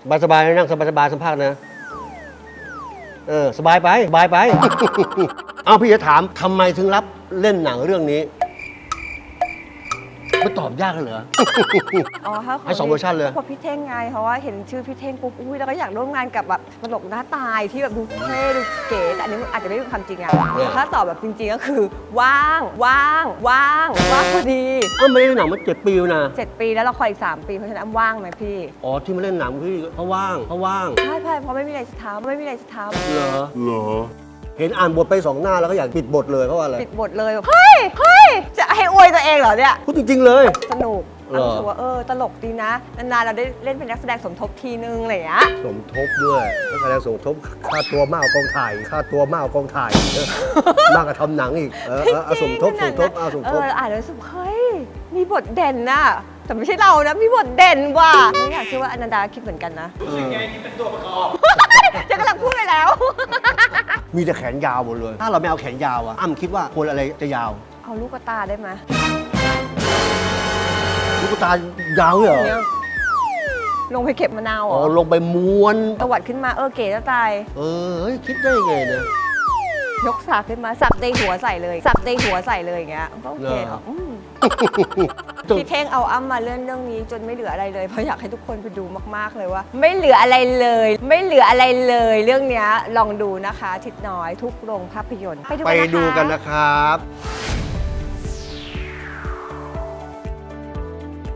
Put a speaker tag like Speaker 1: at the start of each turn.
Speaker 1: สบายๆนั่งสบายๆสัมภาษณ์นะสบายไปเอาพี่จะถามทำไมถึงรับเล่นหนังเรื่องนี้ไม่ตอบยากเลยเหรอ
Speaker 2: อ๋อ
Speaker 1: ให้2 เวอร์ชันเลย
Speaker 2: พอพี่เท่งไงเพราะว่าเห็นชื่อพี่เท่งปุ๊บอุ้ยแล้วก็อยากร่วมงานกับแบบตลกหน้าตายที่แบบดูเท่ดูเก๋แต่อันนี้อาจจะไม่เป็นความจริงอะถ้าตอบแบบจริงๆก็คือว่างพอดี
Speaker 1: ไม่ได้เล่นหนังมา7 ปีแล้วนะ
Speaker 2: 7 ปีแล้วละครอีก3 ปีเพราะฉะนั้นว่างไหมพี่
Speaker 1: อ๋อที่มาเล่นหนังพี่เพราะว่าง
Speaker 2: ใช่เพราะไม่มีอะไรจะทำ
Speaker 1: เหรอเห็นอ่านบทไป2 หน้าแล้วก็อยากปิดบทเลยเพราะว่าอะไร
Speaker 2: ปิดบทเลยเฮ้ยจะให้อวยตัวเองเหรอเนี่ย
Speaker 1: พูดจริงๆเลย
Speaker 2: สนุกรู้สึกว่าตลกดีนะนานๆเราได้เล่นเป็นนักแสดงสมทบทีนึงอะไรอย่างเงี้ย
Speaker 1: สมทบด้วยนักแสดงสมทบค่าตัวมากกว่ากองถ่ายมากกว่าทำหนังอีกสมทบ
Speaker 2: อ่านแล้วรู้สึกเฮ้ยมีบทเด่นน่ะแต่ไม่ใช่เรานะมีบทเด่นว่ะไม่อยากเชื่อว่าอนันดาคิดเหมือนกันนะ
Speaker 3: รู้สึกไงที่เป็นตัวประกอบ
Speaker 2: จะกำลังพูดไปแล้ว
Speaker 1: มีแต่แขนยาวหมดเลยถ้าเราไม่เอาแขนยาวอะอ้ำคิดว่าควรอะไรจะยาว
Speaker 2: เอาลูกตาได้ไหม
Speaker 1: ลูกตายาวเหรอ
Speaker 2: ลงไปเก็บมะนาวเหรอ
Speaker 1: ลงไปม้วน
Speaker 2: ตวัดขึ้นมาเก๋จะตาย
Speaker 1: เฮ้ยคิดได้ไงเนี่ย
Speaker 2: ยกสากขึ้นมาสักในหัวใส่เลยอย่างเงี้ยก็โอเคพี่เท่งเอาอ้ำมาเรื่องนี้จนไม่เหลืออะไรเลยเพราะอยากให้ทุกคนไปดูมากๆเลยว่าไม่เหลืออะไรเลยเรื่องเนี้ยลองดูนะคะทิศน้อยทุกโรงภาพยนตร์
Speaker 1: ไปดูกันนะครับ